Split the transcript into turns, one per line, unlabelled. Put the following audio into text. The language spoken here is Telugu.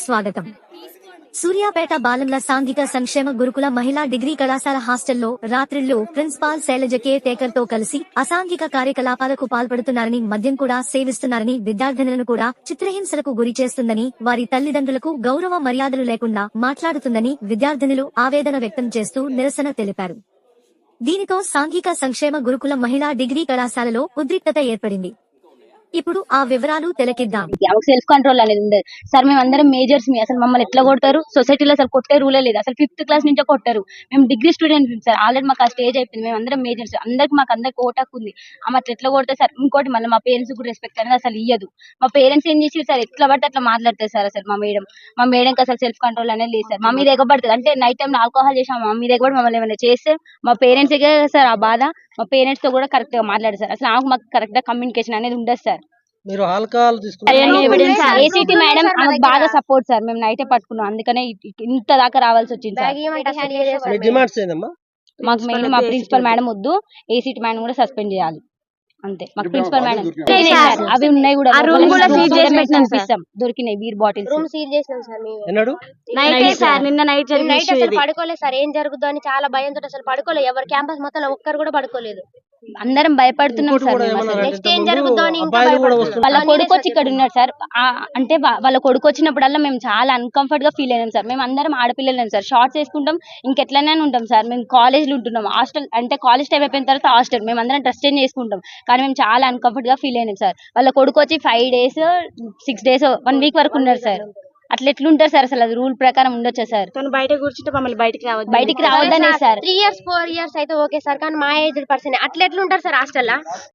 స్వాగతం. సూర్యాపేట బాలంల సాంఘిక సంక్షేమ గురుకుల మహిళా డిగ్రీ కళాశాల హాస్టల్లో రాత్రిళ్లు ప్రిన్సిపాల్ శైలజ కేర్ టేకర్ తో కలిసి అసాంఘిక కార్యకలాపాలకు పాల్పడుతున్నారని, మద్యం కూడా సేవిస్తున్నారని, విద్యార్థినులను కూడా చిత్రహింసలకు గురి చేస్తుందని, వారి తల్లిదండ్రులకు గౌరవ మర్యాదలు లేకుండా మాట్లాడుతుందని విద్యార్థినులు ఆవేదన వ్యక్తం చేస్తూ నిరసన తెలిపారు. దీనితో సాంఘిక సంక్షేమ గురుకుల మహిళా డిగ్రీ కళాశాలలో ఉద్రిక్తత ఏర్పడింది. ఇప్పుడు ఆ వివరాలు తెలకిద్దాం.
సెల్ఫ్ కంట్రోల్ అనేది ఉండదు సార్. మేము అందరం మేజర్స్ అసలు మమ్మల్ని ఎట్లా కొడతారు? సొసైటీలో అసలు కొట్టే రూలే లేదు. అసలు 5th క్లాస్ నుంచే కొట్టారు. మేము డిగ్రీ స్టూడెంట్స్ సార్. ఆల్రెడీ మాకు ఆ స్టేజ్ అయిపోయింది. మేము అందరం మేజర్స్. అందరికి ఓటాకు ఉంది. ఆమె అట్లా ఎట్లా కొడతారు సార్? ఇంకోటి మళ్ళీ మా పేరెంట్స్ కూడా రెస్పెక్ట్ అనేది అసలు ఇయ్యదు. మా పేరెంట్స్ ఏం చేసి సార్ ఎట్లా పడితే అట్లా మాట్లాడతారు సార్. అసలు మా మేడంకి అసలు సెల్ఫ్ కంట్రోల్ అనేది లేదు సార్. మా మీద ఎగబడుతుంది. అంటే నైట్ టైం ఆల్కహాల్ చేసాం, మా మీద ఎగబడి మమ్మల్ని ఏమైనా చేస్తే మా పేరెంట్స్ సార్ ఆ బాధ. మా పేరెంట్స్ తో కూడా కరెక్ట్ గా మాట్లాడారు సార్. అసలు మాకు కరెక్ట్ గా కమ్యూనికేషన్ అనేది ఉండదు సార్.
మీరు ఆల్కహాల్
ఏసీటీ మేడం బాగా సపోర్ట్ సార్. మేము నైటే పట్టుకున్నాం, అందుకనే ఇంత దాకా రావాల్సి వచ్చింది సార్.
డిమాండ్స్ ఏందమ్మా?
మాకు మెయిన్ మా ప్రిన్సిపల్ మేడం వద్దు, ఏసీటీ మేడం కూడా సస్పెండ్ చేయాలి అంతే. మాకు ప్రిన్సిపల్ మేడం అవి ఉన్నాయి కూడా దొరికినాయి బీర్ బాటిల్స్
రూమ్ సీల్ చేసినాం సార్.
నిన్న నైట్
అసలు పడుకోలేదు సార్. ఏం జరుగుతుందో అని చాలా భయంతో అసలు పడుకోలేదు. ఎవరు క్యాంపస్ మొత్తం ఒక్కరు కూడా పడుకోలేదు.
అందరం భయపడుతున్నాం సార్.
నెక్స్ట్ ఏం జరుగుతుందో అని
వాళ్ళ కొడుకు వచ్చి ఇక్కడ ఉన్నాడు సార్. అంటే వాళ్ళ కొడుకు వచ్చినప్పుడల్లా మేము చాలా అన్కంఫర్ట్ గా ఫీల్ అయినాం సార్. మేము అందరం ఆడపిల్లలేం సార్. షార్ట్స్ వేసుకుంటాం, ఇంకెట్లనే ఉంటాం సార్. మేము కాలేజ్ లో ఉంటున్నాం. హాస్టల్ అంటే కాలేజ్ టైం అయిపోయిన తర్వాత హాస్టల్ మేము అందరం డ్రెస్ చేంజ్ చేసుకుంటాం. కానీ మేము చాలా అన్కంఫర్ట్ గా ఫీల్ అయినాం సార్. వాళ్ళ కొడుకు వచ్చి 5 days 6 days 1 week వరకు ఉన్నారు సార్. అట్లా ఎట్లుంటారు సార్? అసలు అది రూల్ ప్రకారం ఉండొచ్చా సార్?
బయట కూర్చుంటే మమ్మల్ని
బయటికి రావద్దనే సార్.
3 years 4 years అయితే ఓకే సార్, కానీ మా ఏజ్ పర్సన్ అట్లా ఎట్లుంటారు సార్ హాస్టల్?